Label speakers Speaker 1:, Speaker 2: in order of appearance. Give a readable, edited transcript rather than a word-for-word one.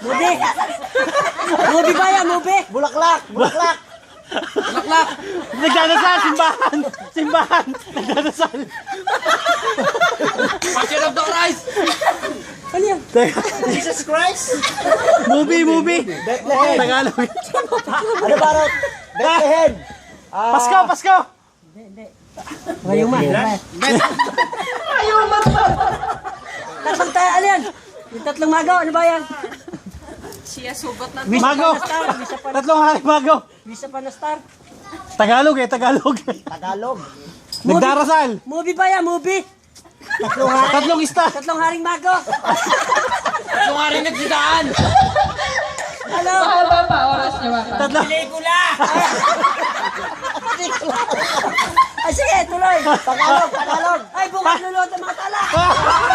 Speaker 1: Movie. Movie ba yan? Movie?
Speaker 2: Bulaklak! Bulaklak!
Speaker 1: Bulaklak.
Speaker 3: Nagdadasal, simbahan! Simbahan! Nagdadasal!
Speaker 1: Passion of the Christ. Ano yan?
Speaker 2: Jesus Christ!
Speaker 3: Movie!
Speaker 2: Bethlehem!
Speaker 3: Tagalog.
Speaker 2: Ano ba rin? Bethlehem!
Speaker 3: Pasko!
Speaker 1: Ngayuman. Ngayuman pa. Tatlong tayo, ano yan? Yung tatlong magaw, ano ba yan?
Speaker 4: Siya sugot na.
Speaker 3: Mago! Tatlong hari mago!
Speaker 1: Visa pa na star.
Speaker 3: Tagalog.
Speaker 2: Tagalog!
Speaker 3: Nagdarasal!
Speaker 1: Movie ba yan? Movie?
Speaker 3: Tatlong ista!
Speaker 1: Tatlong haring mago.
Speaker 4: Tatlong hari nagsidaan.
Speaker 1: Ano?
Speaker 4: Haba pa, oras niya ba?
Speaker 3: Tatlong...
Speaker 1: Pelikula! Ay, sige, tuloy.
Speaker 2: Tagalog! Tagalog!
Speaker 1: Ay, bukas lulot ang mga tala.